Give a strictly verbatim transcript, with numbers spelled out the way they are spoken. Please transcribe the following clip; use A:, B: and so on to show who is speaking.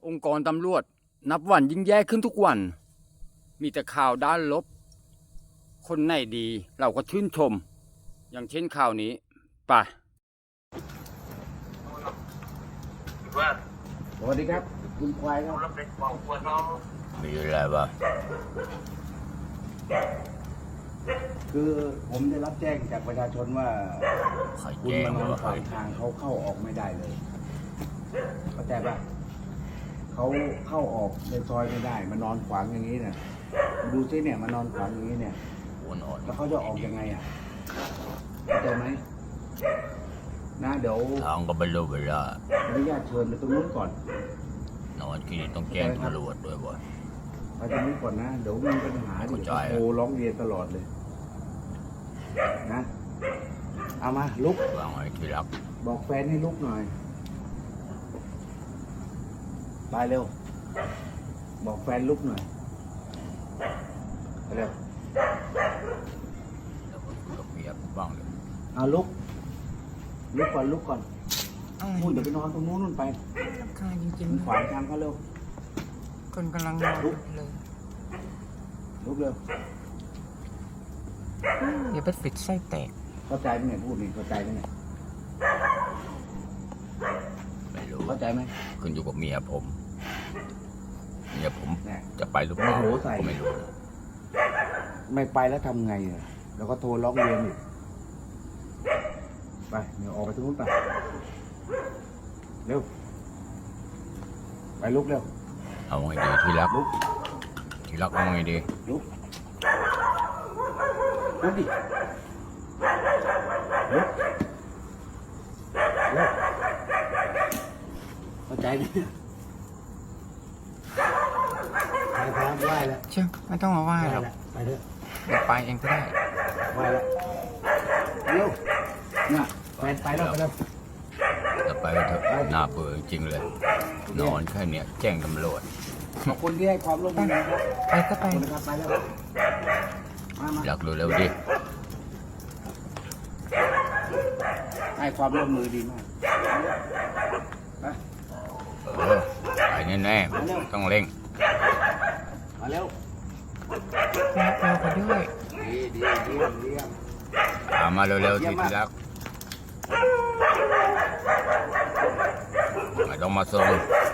A: องค์กรตำรวจนับวันยิ่งแย่ขึ้นทุกวันมีแต่ข่าวด้านลบคนไหนดีเราก็ชื่นชมอย่างเช่นข่าวนี้ไป
B: สวัสดีครับคุณควายครับ
C: มีอะไรบ้าง
B: คือผมได้รับแจ้งจากประชาชนว่าคุณมานอนขวางทางเขาเข้าออกไม่ได้เลยเข้าใจปะเขาเข้าออกในซอยไม่ได้มานอนขวางอย่างนี้เนี่ยดูซิเนี่ยมานอนขวางอย่างนี้เนี่ยแล้วเขาจะออกยังไงอ่ะเข้าใจไหมนะเดี๋ยว
C: ทางก็ไม่รู้เวลา
B: อนุญาตเชิญไปตรงนู้นก่อน
C: นอนที่นี่ต้องแจ้งตำรวจด้วยบ่
B: ไปตรงนู้นก่อนนะเดี๋ยวมีปัญหาเดี๋ยวโทรร้องเรียนตลอดเลยนะเอามาลุก
C: วางไว้ที่รัก
B: บอกแฟนให้ลุกหน่อยไปเร็วบอกแฟนลุกหน่อยไปเร็ว
C: แล้วก็คุยกับเมียบ้างเลย
B: เอาลุกลุกก่อนลุกก่อนพูดเดี๋ยวไปนอนตรงนู้นนู่นไป
D: รำคาญจริง
B: ๆขวางทางเขาเร็ว
D: คนกำลังนอนเลย
B: ลุกเร็ว
D: อย่าไปปิดไส้แตก
B: เข้าใจไหมเนี่ยพูดนี่เข้าใจไหมเนี่ย
C: ไม่รู้
B: เข้าใจไหม
C: ขึ้นอยู่กับเมียผมเมียผมจะไปหรือเปล่าก็ไม่รู้
B: ไม่ไปแล้วทำไงอ่ะแล้วก็โทรร้องเรียนอีกไปเดี๋ยวออกไปตรงนู้นไปเร็วไปลุกเร็ว
C: เอาไงดีที่รัก
B: ลุก
C: ที่รักเอาไงดี
B: ลุกลุกดิลุกเร็วเข้าใจไหมไปพร้อมไหวแล้ว
D: เชื่อไม่ต้องมาไหว้หรอก
B: ไปเถอะ
D: เดี๋ยวไปเองก็ได้
B: ไหวแล้วเร็วเนี่ยไปไปแล้วไปแล้ว
C: จะไปเถอะน่าเบื่อจริงเลยนอนแค่เนี้ยแจ้งตำรวจ
B: ขอบคุณที่ให้ความร่วมมือนะครับ
D: ไปก็ไป
B: นะครับไปแล้วมามา
C: อยากเร็วๆดิ
B: ให้ความร่วมมือดีมากไป
C: เออไปแน่ๆต้องเร่ง
B: มาเร็ว
D: รักเราไปด้วย
B: ดีดีเยี่ยมเยี่ยม
C: ตามมาเร็วๆที่ที่รักไม่ต้องมาส่ง